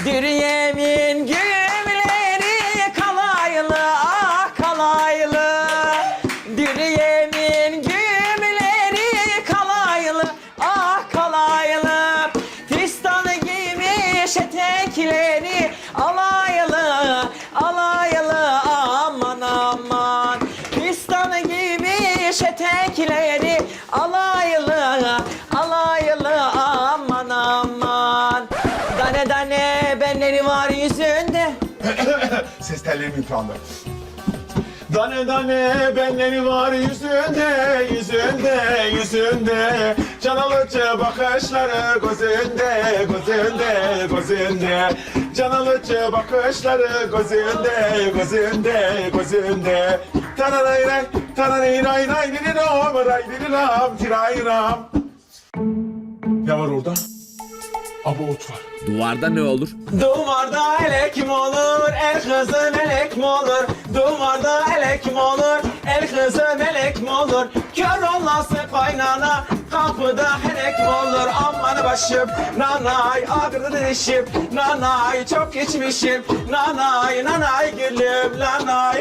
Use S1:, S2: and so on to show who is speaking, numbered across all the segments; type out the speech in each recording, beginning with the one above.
S1: Dürüyemin gümleri kalaylı, ah kalaylı. Dürüyemin gümleri kalaylı, ah kalaylı. Fistanı giymiş etekleri alaylı, alaylı, aman aman. Fistanı giymiş etekleri alaylı, alaylı, aman aman. Dane dane benleri var yüzünde.
S2: Ses tellerim yıprandı. Dane dane benleri var yüzünde, yüzünde, yüzünde. Can alıcı bakışları gözünde, gözünde, gözünde. Can alıcı bakışları gözünde, gözünde, gözünde. Tananayray, tananayray, ray diriram, ray diriram, tirayram. Ne var orada? Abort var.
S3: Duvarda ne olur?
S1: Duvarda elek mi olur, el kızı melek mi olur? Duvarda elek mi olur, el kızı melek mi olur? Kör olası kaynana, kapıda helek mi olur? Aman başım, nanay, ağrıdı dişim, nanay, çok geçmişim, nanay, nanay gülüm, nanay.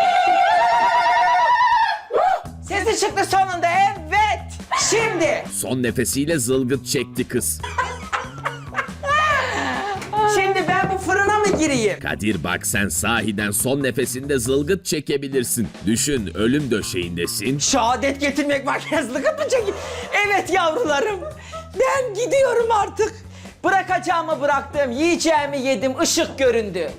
S1: Sesi çıktı sonunda, evet. Şimdi.
S3: Son nefesiyle zılgıt çekti kız.
S1: Şimdi ben bu fırına mı gireyim?
S3: Kadir bak sen sahiden son nefesinde zılgıt çekebilirsin. Düşün ölüm döşeğindesin.
S1: Şehadet getirmek makinesizlik mı çekeyim? Evet yavrularım. Ben gidiyorum artık. Bırakacağımı bıraktım. Yiyeceğimi yedim. Işık göründü.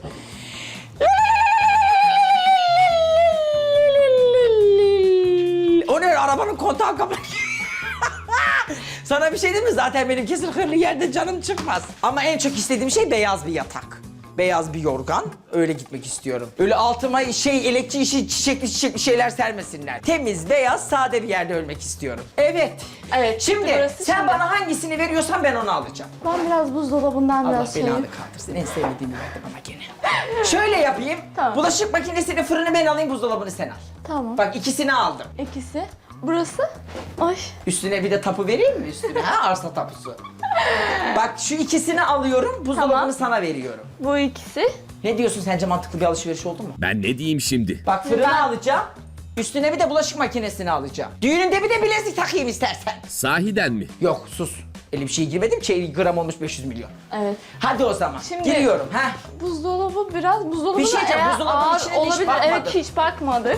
S1: O ne? Arabanın kontağı kapanıyor. Sana bir şey diyeyim mi? Zaten benim kesin hırlı yerde canım çıkmaz. Ama en çok istediğim şey beyaz bir yatak. Beyaz bir yorgan. Öyle gitmek istiyorum. Öyle altıma elekçi işi çiçekli şeyler sermesinler. Temiz, beyaz, sade bir yerde ölmek istiyorum. Evet.
S4: Evet.
S1: Şimdi
S4: burası
S1: sen
S4: şimdi.
S1: bana hangisini veriyorsan ben onu alacağım.
S4: Ben biraz buzdolabından
S1: Allah
S4: biraz
S1: belanı
S4: şeyim.
S1: kaldırsın. En sevmediğimi verdi bana gene. Şöyle yapayım.
S4: Tamam.
S1: Bulaşık makinesini, fırını ben alayım, buzdolabını sen al.
S4: Tamam.
S1: Bak ikisini aldım.
S4: İkisi. Burası. Ay.
S1: Üstüne bir de tapu vereyim mi üstüne? Ha, arsa tapusu. Bak şu ikisini alıyorum, buzdolabını
S4: Tamam.
S1: sana veriyorum.
S4: Bu ikisi.
S1: Ne diyorsun, sence mantıklı bir alışveriş oldu mu?
S3: Ben ne diyeyim şimdi?
S1: Bak fırını
S4: Ben-
S1: alacağım, üstüne bir de bulaşık makinesini alacağım. Düğününde bir de bilezik takayım istersen.
S3: Sahiden mi?
S1: Yok sus, öyle bir şey girmedim ki, gram olmuş 500 milyon.
S4: Evet.
S1: Hadi o zaman,
S4: Şimdi-
S1: giriyorum. Ha.
S4: Buzdolabı biraz buzdolabı
S1: Bir şey
S4: da
S1: diyeceğim,
S4: eğer
S1: buzdolabının
S4: ağır
S1: içine de hiç
S4: olabilir.
S1: bakmadım.
S4: Evet hiç bakmadık.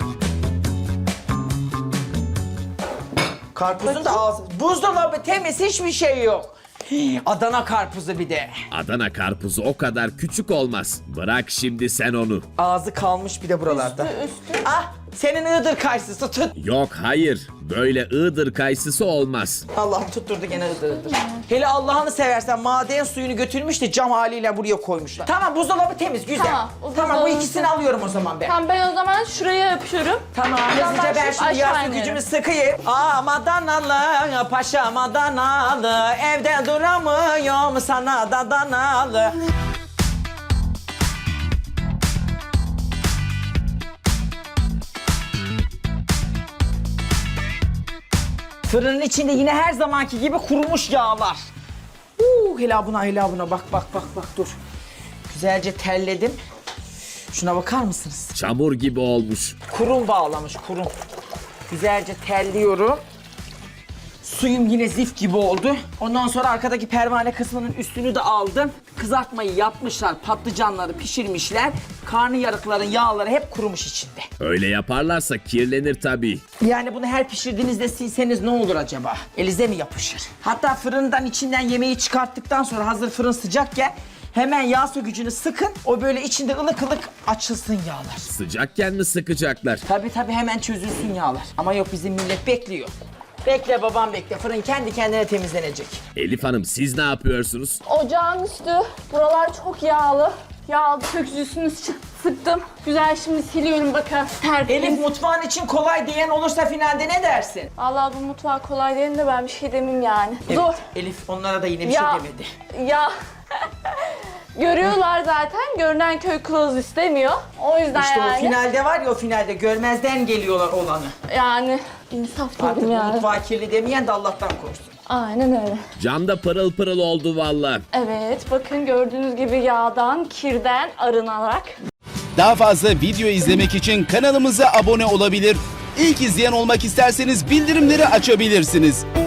S1: Karpuzun da ağzı, buzdolabı temiz, hiçbir şey yok. Hii, Adana karpuzu bir de.
S3: Adana karpuzu o kadar küçük olmaz. Bırak şimdi sen onu.
S1: Ağzı kalmış bir de buralarda.
S4: Üstü.
S1: Ah, senin Iğdır kayısısı tut.
S3: Yok hayır. Böyle Iğdır kayısısı olmaz.
S1: Allah'ım tutturdu gene Iğdır. Hele Allah'ını seversen maden suyunu götürmüş de cam haliyle buraya koymuşlar. Tamam, buzdolabı temiz, güzel.
S4: Tamam, o
S1: Tamam, bu
S4: buzdolabı
S1: ikisini
S4: temiz.
S1: alıyorum o zaman ben.
S4: Tamam ben o zaman şuraya yapışıyorum.
S1: Tamam, hızlıca ben
S4: başlayıp
S1: şimdi
S4: aşağı
S1: yaslı
S4: inerim.
S1: gücümü sıkayım. Adanalı, paşam Adanalı, evde duramıyorum sana da danalı. Fırının içinde yine her zamanki gibi kurumuş yağlar. Hele buna bak dur. Güzelce terledim. Şuna bakar mısınız?
S3: Çamur gibi olmuş.
S1: Kurum bağlamış, kurum. Güzelce terliyorum. Suyum yine zif gibi oldu. Ondan sonra arkadaki pervane kısmının üstünü de aldım. Kızartmayı yapmışlar, patlıcanları pişirmişler. Karnıyarıkların yağları hep kurumuş içinde.
S3: Öyle yaparlarsa kirlenir tabii.
S1: Yani bunu her pişirdiğinizde silseniz ne olur acaba? Elize mi yapışır? Hatta fırından içinden yemeği çıkarttıktan sonra hazır fırın sıcakken hemen yağ sökücünü sıkın. O böyle içinde ılık ılık açılsın yağlar.
S3: Sıcakken mi sıkacaklar?
S1: Tabii hemen çözülsün yağlar. Ama yok, bizim millet bekliyor. Bekle babam bekle. Fırın kendi kendine temizlenecek.
S3: Elif Hanım siz ne yapıyorsunuz?
S4: Ocağın üstü. Buralar çok yağlı. Yağlı sökücüsünü sıktım. Güzel şimdi siliyorum bakın. Tertemiz.
S1: Elif, mutfağın için kolay diyen olursa finalde ne dersin?
S4: Vallahi bu mutfağı kolay değil de ben bir şey demeyeyim yani.
S1: Evet,
S4: Zor.
S1: Elif onlara da yine bir
S4: Ya.
S1: şey demedi.
S4: Ya. Görüyorlar zaten. Görünen köy kılavuz istemiyor. O yüzden
S1: İşte
S4: yani.
S1: o finalde var ya, o finalde görmezden geliyorlar olanı.
S4: Yani insaf
S1: Artık
S4: dedim
S1: bu
S4: yani.
S1: mutfağı kirli demeyen de Allah'tan korusun.
S4: Aynen öyle.
S3: Cam da pırıl pırıl oldu valla.
S4: Evet, bakın gördüğünüz gibi yağdan, kirden arınarak.
S5: Daha fazla video izlemek için kanalımıza abone olabilir. İlk izleyen olmak isterseniz bildirimleri açabilirsiniz.